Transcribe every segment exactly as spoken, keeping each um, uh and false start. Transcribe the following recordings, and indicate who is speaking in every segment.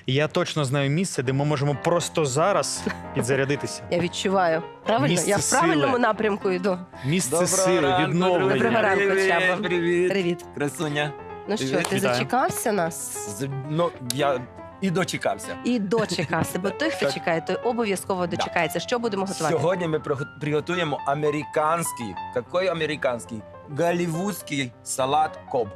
Speaker 1: Я точно знаю місце, де ми можемо просто зараз підзарядитися.
Speaker 2: Я відчуваю. Правильно?
Speaker 1: Місце
Speaker 2: Я в правильному
Speaker 1: сили.
Speaker 2: напрямку йду.
Speaker 1: Місце
Speaker 3: Доброго
Speaker 1: сили,
Speaker 3: ранку,
Speaker 1: відновлення.
Speaker 2: Доброго ранку,
Speaker 3: Привіт,
Speaker 2: Чаба.
Speaker 3: привіт.
Speaker 2: Привіт.
Speaker 3: Красуня.
Speaker 2: Ну що,
Speaker 3: Привіт.
Speaker 2: ти
Speaker 1: Вітаю.
Speaker 2: зачекався нас?
Speaker 3: З- Ну, я і дочекався.
Speaker 2: І дочекався, бо той, хто
Speaker 3: Так.
Speaker 2: чекає, той обов'язково дочекається. Що будемо готувати?
Speaker 3: Сьогодні ми приготу- приготуємо американський, який американський? Голлівудський салат коб.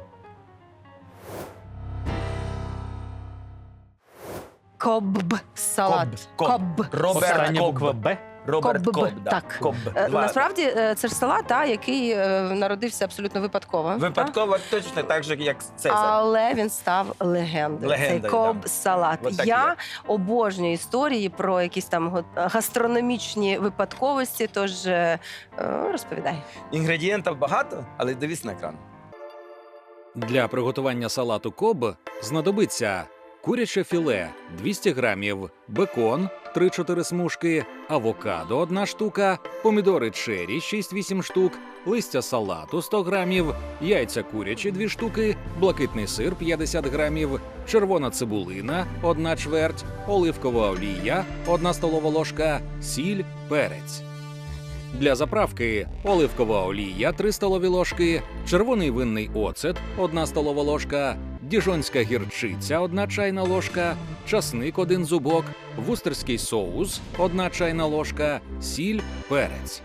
Speaker 2: Кобб салат.
Speaker 3: Коб.
Speaker 2: Кобб.
Speaker 3: Роберт
Speaker 1: Остання
Speaker 3: Коб.
Speaker 1: буква Б.
Speaker 3: Роберт
Speaker 2: Коб.
Speaker 3: Коб, да.
Speaker 2: Так.
Speaker 3: Коб.
Speaker 2: Е,
Speaker 3: Два.
Speaker 2: Насправді е, це ж салат, та, який е, народився абсолютно випадково.
Speaker 3: Випадково точно так же, як
Speaker 2: та?
Speaker 3: Цезар.
Speaker 2: Але він став легендою.
Speaker 3: Легендою,
Speaker 2: Цей коб салат.
Speaker 3: От так і
Speaker 2: Я
Speaker 3: є.
Speaker 2: обожнюю історії про якісь там го- гастрономічні випадковості, тож е, е, розповідай.
Speaker 3: Інгредієнтів багато, але дивись на екран.
Speaker 4: Для приготування салату коб знадобиться куряче філе двісті грамів, бекон три-чотири смужки, авокадо одна штука, помідори чері шість-вісім штук, листя салату сто грамів, яйця курячі дві штуки, блакитний сир п'ятдесят грамів, червона цибулина одна чверть, оливкова олія одна столова ложка, сіль, перець. Для заправки оливкова олія три столові ложки, червоний винний оцет одна столова ложка, діжонська гірчиця одна чайна ложка, часник один зубок, вустерський соус одна чайна ложка, сіль, перець.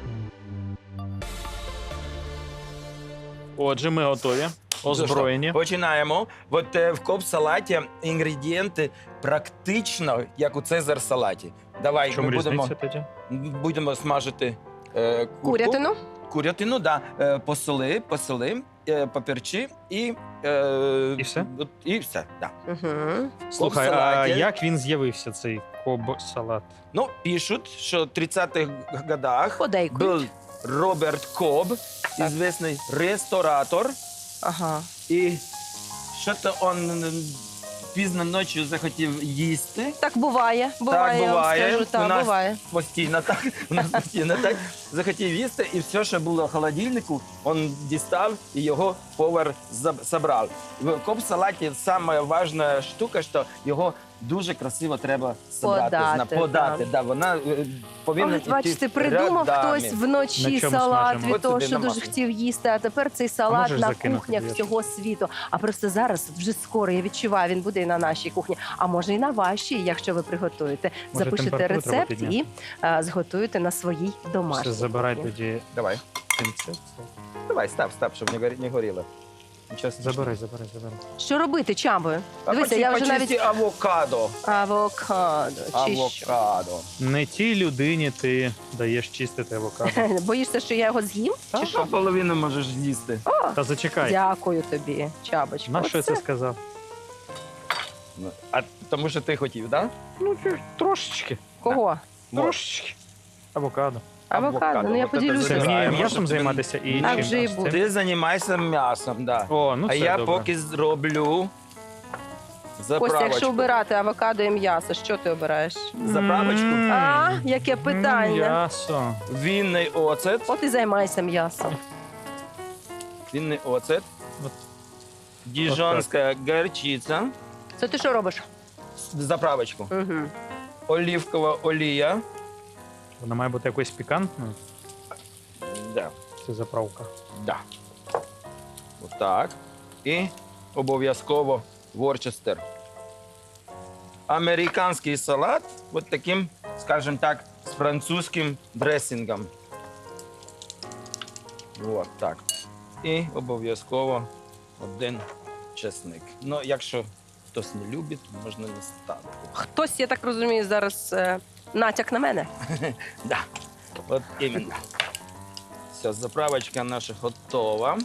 Speaker 1: Отже, ми готові. Озброєні.
Speaker 3: Починаємо. От е, в коб-салаті інгредієнти практично як у Цезар салаті. Давай,
Speaker 1: В чому
Speaker 3: ми будемо,
Speaker 1: різниця тоді?
Speaker 3: будемо смажити е, курку.
Speaker 2: Курятину?
Speaker 3: Курятину, да. Е, посоли, посоли, е, поперчи і... Е,
Speaker 1: І все?
Speaker 3: от- І все, да.
Speaker 2: Угу.
Speaker 1: Слухай, а
Speaker 3: салаті.
Speaker 1: як він з'явився, цей коб-салат?
Speaker 3: Ну, пишуть, що в тридцятих годах
Speaker 2: Подейкують.
Speaker 3: був Роберт Коб,
Speaker 2: Так.
Speaker 3: известний ресторатор,
Speaker 2: Ага.
Speaker 3: і що-то він пізно ночі захотів їсти.
Speaker 2: Так буває. Буває, я вам
Speaker 3: буває.
Speaker 2: скажу,
Speaker 3: У
Speaker 2: так,
Speaker 3: нас-
Speaker 2: буває.
Speaker 3: Постійно так, у нас постійно так. Захотів їсти, і все, що було в холодильнику, він дістав і його повар заб- забрав. В коб-салаті саме важна штука, що його дуже красиво треба собрати,
Speaker 2: Подати,
Speaker 3: зна- подати.
Speaker 2: так.
Speaker 3: Да, вона е, повинна
Speaker 2: Ось, бачите,
Speaker 3: йти
Speaker 2: придумав
Speaker 3: рядами.
Speaker 2: хтось
Speaker 1: На
Speaker 2: вночі
Speaker 1: чому
Speaker 2: салат
Speaker 1: смажемо?
Speaker 2: від
Speaker 3: От
Speaker 2: того,
Speaker 3: тобі
Speaker 2: що
Speaker 3: на
Speaker 2: дуже
Speaker 3: маслі.
Speaker 2: хотів їсти, а тепер цей салат
Speaker 1: можеш
Speaker 2: на
Speaker 1: закинути,
Speaker 2: кухнях
Speaker 1: я
Speaker 2: всього світу. А просто зараз, вже скоро, я відчуваю, він буде і на нашій кухні, а може і на вашій, якщо ви приготуєте.
Speaker 1: Може,
Speaker 2: Запишете
Speaker 1: температуру треба
Speaker 2: рецепт і
Speaker 1: підняти?
Speaker 2: а, зготуєте на своїй домашній.
Speaker 1: Все, забирай
Speaker 2: кухні.
Speaker 1: тоді
Speaker 3: Давай,
Speaker 1: пінцет.
Speaker 3: давай, став, став, щоб не, горі- не горіло. Нічого страшного.
Speaker 1: Забирай, забирай, забирай.
Speaker 2: Що робити, Чабою?
Speaker 3: А
Speaker 2: Дивися,
Speaker 3: почи-
Speaker 2: я вже
Speaker 3: почисти
Speaker 2: навіть
Speaker 3: авокадо.
Speaker 2: авокадо. Чи що?
Speaker 3: Авокадо.
Speaker 1: Не тій людині ти даєш чистити авокадо.
Speaker 2: Боїшся, що я його з'їм?
Speaker 1: Та,
Speaker 2: Чи
Speaker 3: Що
Speaker 2: що?
Speaker 3: половину можеш з'їсти?
Speaker 2: О,
Speaker 1: Та зачекай.
Speaker 2: дякую тобі, Чабочка.
Speaker 1: На що я
Speaker 2: Оце.
Speaker 1: це сказав?
Speaker 3: Ну, А тому що ти хотів, так?
Speaker 1: Ну, ти трошечки.
Speaker 2: Кого?
Speaker 3: Да?
Speaker 1: Трошечки. Авокадо.
Speaker 2: Авокадо.
Speaker 3: Авокадо.
Speaker 2: Ну я
Speaker 3: От це
Speaker 2: поділюся.
Speaker 1: Це мені
Speaker 3: Забираємо,
Speaker 1: м'ясом
Speaker 3: щоб
Speaker 1: займатися і
Speaker 2: Так
Speaker 1: чим?
Speaker 2: же і
Speaker 1: З цим?
Speaker 2: буде.
Speaker 3: Ти займайся м'ясом, да.
Speaker 1: О, ну
Speaker 3: а
Speaker 1: це
Speaker 3: я
Speaker 1: добре.
Speaker 3: поки зроблю
Speaker 2: Костя, якщо
Speaker 3: заправочку.
Speaker 2: обирати авокадо і м'ясо, що ти обираєш?
Speaker 3: Заправочку.
Speaker 1: М,
Speaker 2: А, яке питання.
Speaker 1: М'ясо.
Speaker 3: Вінний оцет.
Speaker 2: От і займайся м'ясом.
Speaker 3: Вінний оцет.
Speaker 1: От.
Speaker 3: Діжонська горчиця.
Speaker 2: Це ти що робиш?
Speaker 3: Заправочку.
Speaker 2: Угу.
Speaker 3: Олівкова олія.
Speaker 1: Вона має бути якоюсь пікантною.
Speaker 3: Да.
Speaker 1: Це заправка.
Speaker 3: Да. Отак. І обов'язково ворчестер. Американський салат от таким, скажімо так, з французьким дресингом. От так. І обов'язково один чесник. Ну, якщо хтось не любить, можна не ставити.
Speaker 2: Хтось, я так розумію, зараз е, натяк на мене.
Speaker 3: Да. От іменно. Все, заправочка наша готова.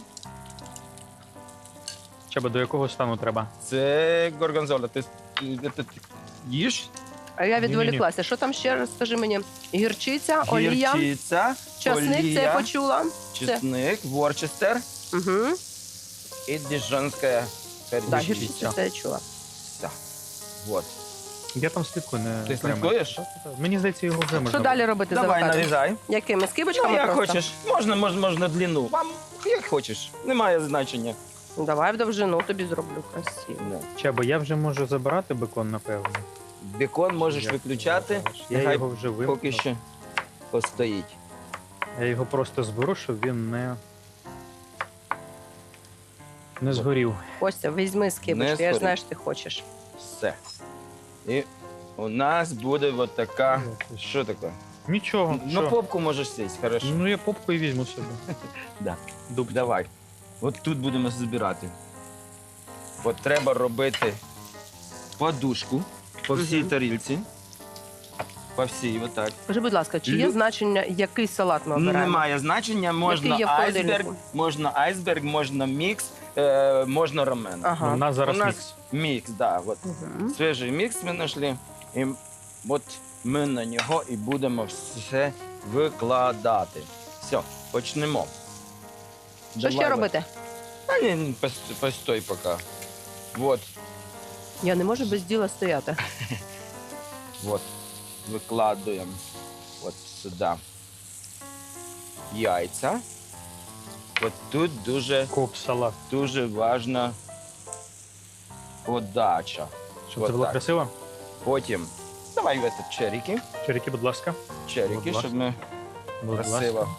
Speaker 1: Чаба, до якого стану треба?
Speaker 3: Це горгонзола. Ти, ти, ти, ти їш?
Speaker 2: А я
Speaker 1: Ні-ні-ні.
Speaker 2: відволіклася. Що там ще раз, скажи мені? Гірчиця, олія,
Speaker 3: Гірчиця,
Speaker 2: часник, це я
Speaker 3: олія,
Speaker 2: почула.
Speaker 3: чесник, ворчестер
Speaker 2: Угу.
Speaker 3: і діжонська
Speaker 2: Так,
Speaker 3: гірчиця.
Speaker 2: гірчиця, це я чула.
Speaker 3: Все. Вот.
Speaker 1: Я там слідкую, не
Speaker 3: Ти
Speaker 1: прямо.
Speaker 3: слідкуєш?
Speaker 1: Мені здається, його вже можна.
Speaker 2: Що далі робити з
Speaker 3: Давай,
Speaker 2: авокадо?
Speaker 3: нарізай.
Speaker 2: Якими?
Speaker 3: Ну,
Speaker 2: Скибочками
Speaker 3: як
Speaker 2: просто?
Speaker 3: хочеш. Можна, можна, можна длину. Вам як хочеш. Немає значення.
Speaker 2: Давай в довжину тобі зроблю красиво.
Speaker 3: Да.
Speaker 1: Чабо, я вже можу забирати бекон, напевно.
Speaker 3: Бекон можеш
Speaker 1: Як
Speaker 3: виключати,
Speaker 1: Я
Speaker 3: нехай
Speaker 1: його вже вимкнув.
Speaker 3: поки що постоїть.
Speaker 1: Я його просто зберу, щоб він не, не згорів.
Speaker 2: Костя, візьми
Speaker 3: Не
Speaker 2: скибочку, я ж
Speaker 3: згорить.
Speaker 2: знаю, що ти хочеш.
Speaker 3: Все. І у нас буде от така. Що таке?
Speaker 1: Нічого.
Speaker 3: На
Speaker 1: що?
Speaker 3: попку можеш сісти, хорошо.
Speaker 1: Ну, я попку і візьму собі.
Speaker 3: Да.
Speaker 1: Дуб.
Speaker 3: Давай. От тут будемо збирати. От треба робити подушку по всій
Speaker 2: Мгм.
Speaker 3: тарілці. По всій, отак.
Speaker 2: Скажи, будь ласка, чи є
Speaker 3: Лю-
Speaker 2: значення, який салат ми обираємо?
Speaker 3: Немає значення, можна
Speaker 2: Який є в
Speaker 3: айсберг,
Speaker 2: холодильнику?
Speaker 3: можна айсберг, можна мікс, е, можна рамен.
Speaker 2: Ага.
Speaker 1: Ну, у нас зараз
Speaker 3: У нас
Speaker 1: мікс.
Speaker 3: Мікс, да. От.
Speaker 2: Мгм.
Speaker 3: Свіжий мікс ми знайшли. І от ми на нього і будемо все викладати. Все, почнемо.
Speaker 2: Що
Speaker 3: Давай,
Speaker 2: ще
Speaker 3: от.
Speaker 2: робити?
Speaker 3: Та ні, пос- постой поки. От,
Speaker 2: Я не можу без діла стояти.
Speaker 3: от. Викладуємо от сюди яйця. От тут дуже,
Speaker 1: Коп, салат.
Speaker 3: дуже важна подача.
Speaker 1: Щоб
Speaker 3: От
Speaker 1: це було
Speaker 3: так.
Speaker 1: красиво.
Speaker 3: Потім давай в этот черіки.
Speaker 1: Черіки, будь ласка.
Speaker 3: Черіки,
Speaker 1: Будь ласка.
Speaker 3: щоб ми
Speaker 1: Будь
Speaker 3: красиво.
Speaker 1: ласка.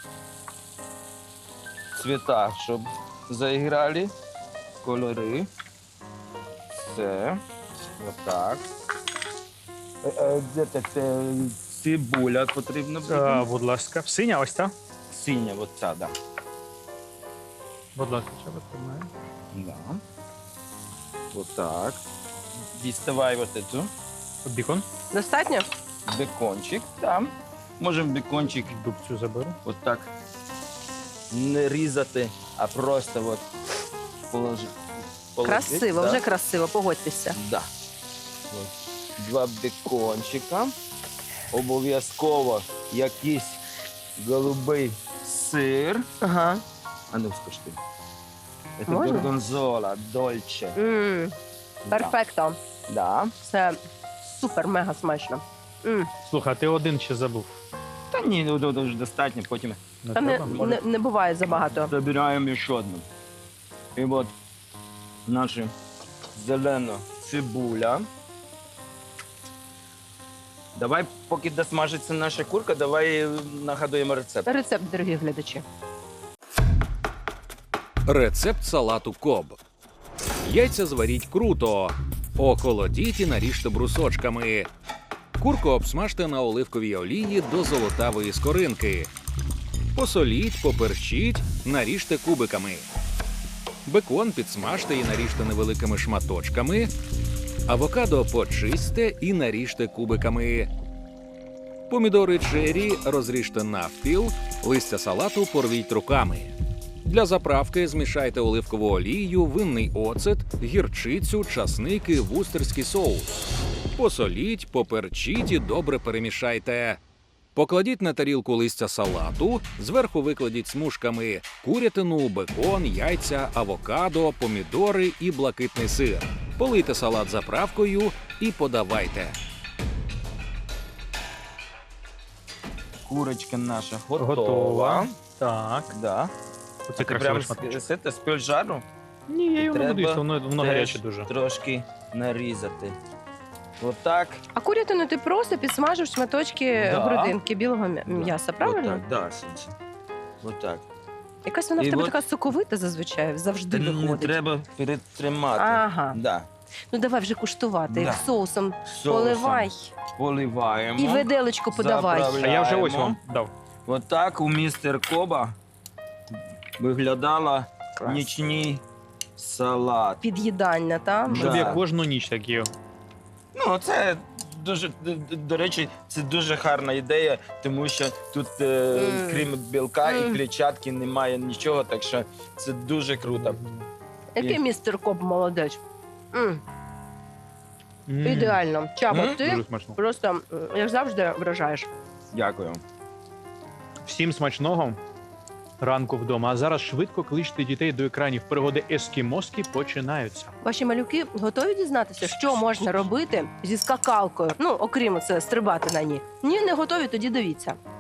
Speaker 3: Цвіта, щоб заіграли. Кольори. Все. Отак. Е, е, Де це це цибуля потрібно буде?
Speaker 1: А, будь ласка. Синя ось та.
Speaker 3: Синя, от ця, да.
Speaker 1: Будь ласка, Чабо, тримай.
Speaker 3: Да. Отак. Діставай от цю.
Speaker 1: Бікон.
Speaker 2: Достатньо?
Speaker 3: Бекончик. Там. Можемо бекончик
Speaker 1: Дубцю заберу.
Speaker 3: отак не різати, а просто от положити.
Speaker 2: Красиво, вже красиво, погодьтеся.
Speaker 3: Да. От. Два бекончика. Обов'язково якийсь голубий сир.
Speaker 2: Ага.
Speaker 3: А ну скажи. Це
Speaker 2: Можна?
Speaker 3: горгонзола, дольче.
Speaker 2: М, Перфекто.
Speaker 3: Да.
Speaker 2: Це супер-мега смачно. М.
Speaker 1: Слухай, а ти один ще забув.
Speaker 3: Та ні, ну ну, дуже достатньо. Потім
Speaker 1: Не
Speaker 2: Та не,
Speaker 1: треба?
Speaker 2: не, не буває забагато.
Speaker 3: забираємо ще одну. І от наша зелена цибуля. Давай, поки досмажиться наша курка, давай нагадуємо рецепт.
Speaker 2: Рецепт, дорогі глядачі.
Speaker 4: Рецепт салату Коб. Яйця зваріть круто. Охолодіть і наріжте брусочками. Курку обсмажте на оливковій олії до золотавої скоринки. Посоліть, поперчіть, наріжте кубиками. Бекон підсмажте і наріжте невеликими шматочками. Авокадо почистьте і наріжте кубиками. Помідори чері розріжте навпіл, листя салату порвіть руками. Для заправки змішайте оливкову олію, винний оцет, гірчицю, часник і вустерський соус. Посоліть, поперчіть і добре перемішайте. Покладіть на тарілку листя салату, зверху викладіть смужками курятину, бекон, яйця, авокадо, помідори і блакитний сир. Полийте салат заправкою і подавайте.
Speaker 3: Курочка наша готова.
Speaker 1: Готова. Так.
Speaker 3: Да.
Speaker 1: Оце
Speaker 3: Ти прямо
Speaker 1: красивий
Speaker 3: з,
Speaker 1: шматочок.
Speaker 3: з, з, з пельжару
Speaker 1: Ні, я його не
Speaker 3: Треба
Speaker 1: буду їсти, воно, воно
Speaker 3: теж
Speaker 1: гаряче дуже.
Speaker 3: трошки нарізати. Отак.
Speaker 2: А курятину ти просто підсмажив шматочки
Speaker 3: Да.
Speaker 2: грудинки білого м'я- м'яса, правильно?
Speaker 3: Отак, да, Сінці. Отак.
Speaker 2: Якась вона в
Speaker 3: І
Speaker 2: тебе
Speaker 3: от-
Speaker 2: така соковита зазвичай, завжди
Speaker 3: Не
Speaker 2: виходить.
Speaker 3: треба перетримати.
Speaker 2: Ага.
Speaker 3: Да.
Speaker 2: Ну давай вже куштувати.
Speaker 3: Да.
Speaker 2: Соусом
Speaker 3: Соусом
Speaker 2: поливай
Speaker 3: поливаємо.
Speaker 2: і виделечку подавай.
Speaker 3: Заправляємо.
Speaker 1: А я вже ось вам дав.
Speaker 3: Отак у містер Коба виглядала
Speaker 2: Клас.
Speaker 3: нічний салат.
Speaker 2: Під'їдання, та?
Speaker 1: Щоб
Speaker 3: Да.
Speaker 1: я кожну ніч так їв.
Speaker 3: Ну, це дуже, д- д- до речі, це дуже гарна ідея, тому що тут, е,
Speaker 2: Мм.
Speaker 3: крім білка і
Speaker 2: Мм.
Speaker 3: клітчатки, немає нічого, так що це дуже круто.
Speaker 2: Який містер Коп молодець. М,
Speaker 1: М,
Speaker 2: Ідеально. Чаба,
Speaker 3: Мм.
Speaker 2: ти
Speaker 1: Дуже смачно.
Speaker 2: просто, м, як завжди, вражаєш.
Speaker 3: Дякую.
Speaker 1: Всім смачного ранку вдома. А зараз швидко кличте дітей до екранів. Пригоди ескімоски починаються.
Speaker 2: Ваші малюки готові дізнатися, що можна робити зі скакалкою? Ну, окрім це, стрибати на ній. Ні, не готові, тоді дивіться.